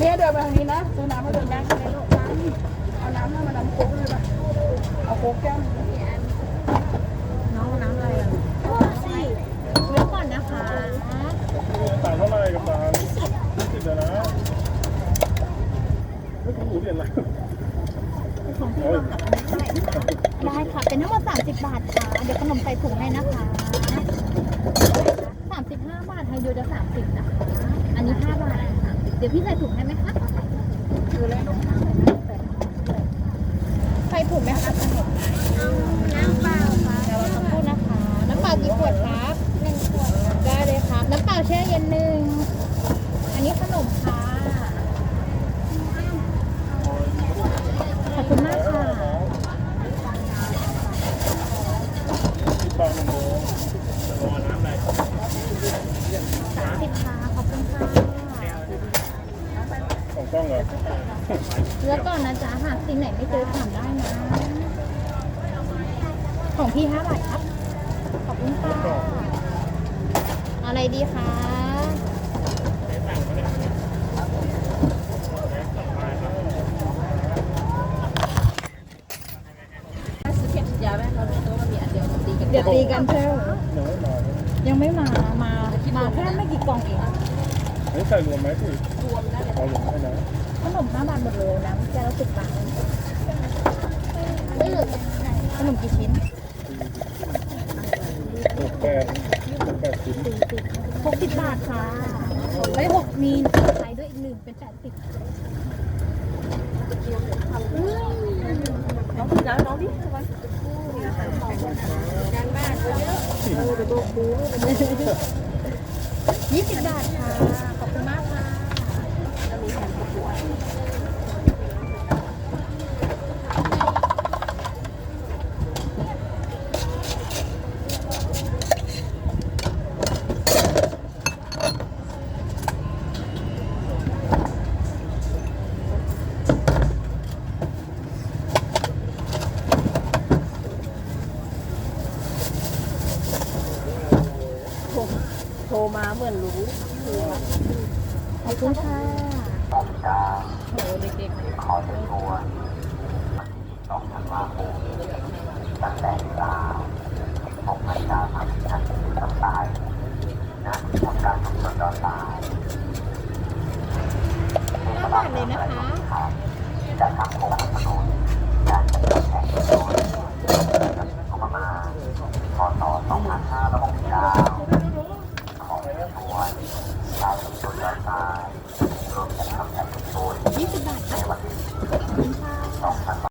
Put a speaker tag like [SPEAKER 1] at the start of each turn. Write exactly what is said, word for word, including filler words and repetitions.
[SPEAKER 1] เนี่ยเดินไปทางนี้นะซื้อน้ำมาเดินได้ไหมลูกเอาน้ำให้มาน้ำโค้กเลยป่ะเอาโค้กแก้วน้องน้ำอะไรอ่ะ
[SPEAKER 2] สิเดี๋ยวก่อนนะคะ
[SPEAKER 3] ต่างเท่าไหร่กับต่างยี่สิบเดี๋ยวนะไม่ถูกหูเรียนอะไร
[SPEAKER 2] ของพี่วางกับอันนี้ได้ได้ค่ะเป็นทั้งหมดสามสิบบาทค่ะเดี๋ยวขนมใส่ถุงให้นะคะสามสิบห้าบาทไทยโยจะสามสิบนะคะอันนี้ห้าบาทสามสิบเดี๋ยวพี่ใส่ถุงให้ไหมคะ
[SPEAKER 1] คืออะไรลูก
[SPEAKER 2] ใส่ถุงไหมคะเอาน้ำเปล่าค่ะเดี๋ยวเราสักครู่นะคะน้ำเปล่ากี่ขวดครับหนึ่งขวดได้เลยครับน้ำเปล่าแช่เย็นหนึ่งอันนี้ขนมค่ะขอบคุณมากค่ะ
[SPEAKER 3] ปลาหนึ่งโลจะรอน้ำอะไร
[SPEAKER 2] สามสิบค่ะขอบคุณค่ะ
[SPEAKER 3] ของกล้องเหรอ
[SPEAKER 2] แล้วก่อนนะจ๊ะหากสิ่งไหนไม่เจอถามได้นะของพี่ห้าบาทครับขอบคุณค่ะอะไรดีคะเดี๋ยวตีกันเช่ยังไม่มามามาแค่ไม่กี่กล่องเอง
[SPEAKER 3] นี่ใส่รวมไหมพี่รวมนะเอารวมให้นะ
[SPEAKER 2] ขนมห้าบาทหมดเลยนะแก้วละสิบบาทขนมกี่ชิ้น
[SPEAKER 3] หกแปดหกแปดชิ้น
[SPEAKER 2] หกสิบบาทค่ะได้หกมีนใช้ด้วยอีกหนึ่งเป็นแปดสิบ
[SPEAKER 1] น้องน้องน้องดิทำไมงานบ้านเยอะเออเดี๋ยวตัวคู
[SPEAKER 2] ยี่สิบบาทค่ะขอบคุณมากค่ะ
[SPEAKER 1] จะมีแผ่นประกวดโทรมาเหมือนรู้
[SPEAKER 2] ขอบคุณค่ะ
[SPEAKER 1] โอ้เด็กๆขอเป็นตัวสองธันวาคมตั้งแต่เวลาหกนาฬิกาสามสิบนาทีต่อไปนะทำการทำสดออนไลน์
[SPEAKER 2] ห้าบาทเลยนะคะ
[SPEAKER 1] จะทำ